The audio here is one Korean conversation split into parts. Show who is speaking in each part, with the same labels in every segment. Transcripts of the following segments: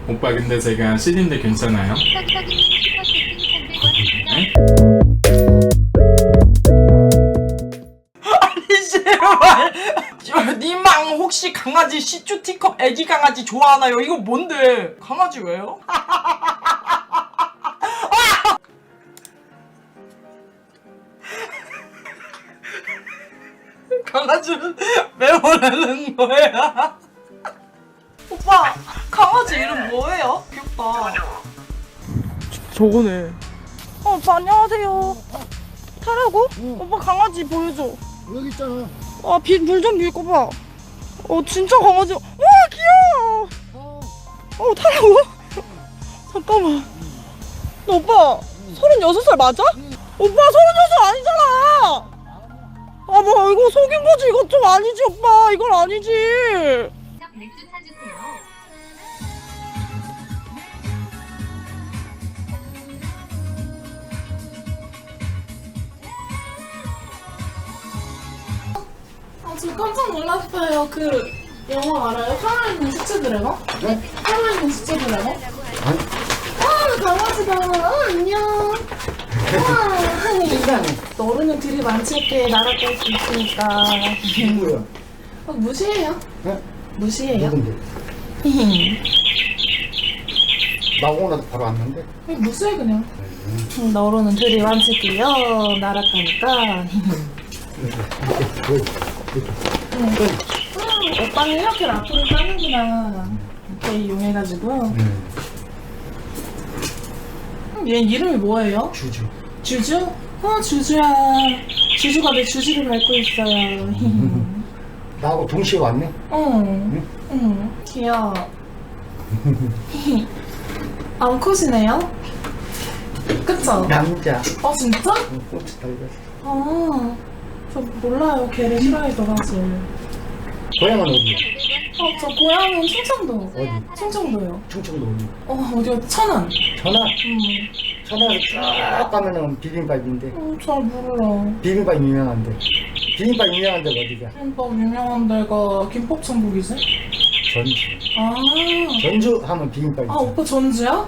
Speaker 1: 오빠 근데 제가 CD인데 괜찮아요? 네?
Speaker 2: 아니 제발 니망 혹시 강아지 시추티컵 애기 강아지 좋아하나요? 이거 뭔데? 강아지 왜요? 강아지는 왜 보내는 거야? 오빠 강아지 이름 뭐예요? 귀엽다. 저거네. 오빠 안녕하세요. 타라고? 오빠 강아지 보여줘.
Speaker 3: 여기 있잖아.
Speaker 2: 물 좀 빌고 봐. 진짜 강아지. 와 귀여워. 타라고? 잠깐만. 너 오빠 36살 맞아? 오빠 36살 아니잖아. 뭐 이거 속인 거지. 이거 좀 아니지 오빠. 이건 아니지.
Speaker 4: 맥주 사주세요.
Speaker 5: 저 깜짝 놀랐어요. 그 영화 알아요? 살아있는 시체 드래곤?
Speaker 3: 네?
Speaker 5: 살아있는 시체 드래곤? 강아지가 안녕. 너르는 들이 많칠게 날아갈 수 있으니까.
Speaker 3: 누구야?
Speaker 5: 무시해요.
Speaker 3: 네?
Speaker 5: 무시해요.
Speaker 3: 누군데? 나 오늘 바로 왔는데.
Speaker 5: 무시해 그냥. 너르는 들이 많칠게요. 날아가니까. 오빠는 이렇게 라프를 따는구나. 이렇게 이용해가지고. 얘 이름이 뭐예요?
Speaker 3: 주주.
Speaker 5: 주주? 주주야. 주주가 내 주주를 밟고 있어요.
Speaker 3: 나하고 동시에 왔네.
Speaker 5: 응, 귀여워. 암컷이네요? 그쵸?
Speaker 3: 남자.
Speaker 5: 진짜?
Speaker 3: 꽃이 달렸어.
Speaker 5: 저 몰라요. 걔를 싫어해서 사실.
Speaker 3: 고향은 어디야?
Speaker 5: 저 고향은 충청도.
Speaker 3: 어디?
Speaker 5: 충청도요.
Speaker 3: 충청도 어디?
Speaker 5: 어디요? 천안.
Speaker 3: 천안? 천안에 쫙 가면은 비빔밥인데.
Speaker 5: 잘 몰라.
Speaker 3: 비빔밥 유명한데. 비빔밥 유명한 데가 어디가?
Speaker 5: 김밥 유명한 데가 김밥천국이지?
Speaker 3: 전주. 전주 하면 비빔밥이지.
Speaker 5: 오빠 전주야?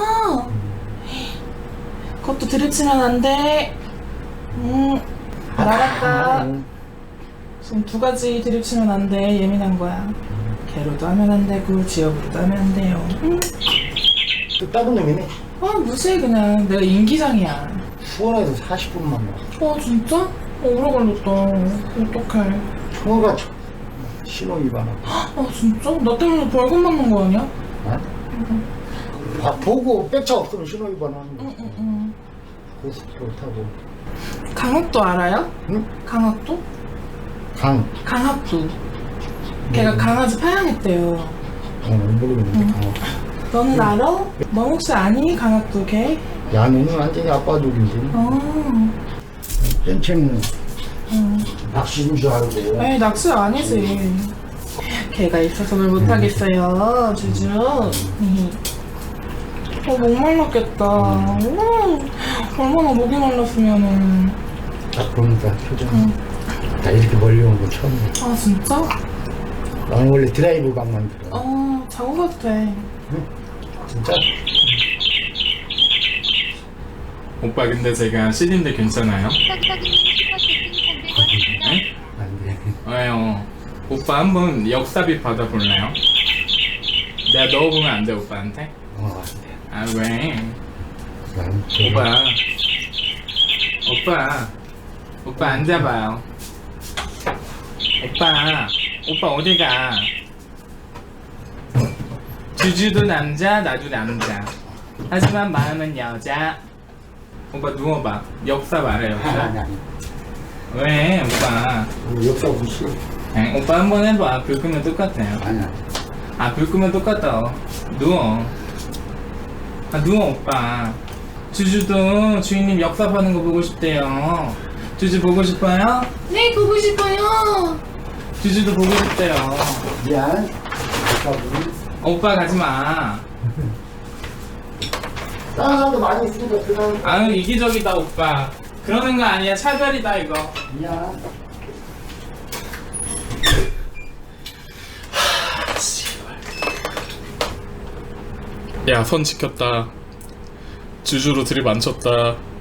Speaker 5: 그것도 들이치면 안 돼. 나갈까? 지금 두 가지 드립치면 안 돼. 예민한 거야. 개로도 하면 안 되고 지역으로도 하면 안 돼요.
Speaker 3: 또 다른 놈이네.
Speaker 5: 무시해 그냥. 내가 인기장이야.
Speaker 3: 수원에서 40분만 와.
Speaker 5: 진짜? 오래 걸렸다. 어떡해.
Speaker 3: 총어가 신호 위반하고.
Speaker 5: 진짜? 나 때문에 벌금 맞는 거 아니야?
Speaker 3: 보고 백차 없으면 신호 위반하는 거. 고속도로 타고.
Speaker 5: 강학도 알아요?
Speaker 3: 응?
Speaker 5: 강학도? 강학도. 걔가 강아지 파양했대요.
Speaker 3: 모르겠는데.
Speaker 5: 너는 알아? 너 혹시 아니? 강학도 걔?
Speaker 3: 야, 너는 완전히 아빠 독인지. 땡채는 낚시인 줄 알고.
Speaker 5: 에이 낚시 아니지. 걔가 있어서 뭘 못하겠어요. 주주. 목말랐겠다. 얼마나 목이 말랐으면은.
Speaker 3: 딱 보니까 표정이. 나 이렇게 멀리 온 건 처음이야.
Speaker 5: 진짜?
Speaker 3: 나는 원래 드라이브 방만 들어.
Speaker 5: 자고 가도 돼.
Speaker 3: 진짜?
Speaker 1: 오빠 근데 제가 CD인데 괜찮아요? 네?
Speaker 3: 안 돼.
Speaker 1: 왜요? 오빠 한번 역삽입 받아볼래요? 내가 넣어보면 안 돼 오빠한테?
Speaker 3: 안 돼.
Speaker 1: 왜?
Speaker 3: 난
Speaker 1: 오빠 앉아봐요. 오빠 어디가? 주주도 남자, 나도 남자. 하지만 마음은 여자. 오빠 누워봐. 역사 말해 역사.
Speaker 3: 아니.
Speaker 1: 왜 오빠?
Speaker 3: 역사 무시.
Speaker 1: 오빠 한번 해봐. 불 끄면 똑같아요.
Speaker 3: 아니야.
Speaker 1: 불 끄면 똑같아. 누워. 누워 오빠. 주주도 주인님 역사하는 거 보고 싶대요. 주주 보고 싶어요?
Speaker 5: 네 보고 싶어요.
Speaker 1: 주주도 보고 싶대요.
Speaker 3: 미안.
Speaker 1: 오빠 가지마.
Speaker 3: 다른 사람도 많이 있으니까 그 사람.
Speaker 1: 아유 이기적이다 오빠. 그러는 거 아니야. 차별이다 이거.
Speaker 3: 미안.
Speaker 1: 야, 선 지켰다. 주주로 드립 안 쳤다.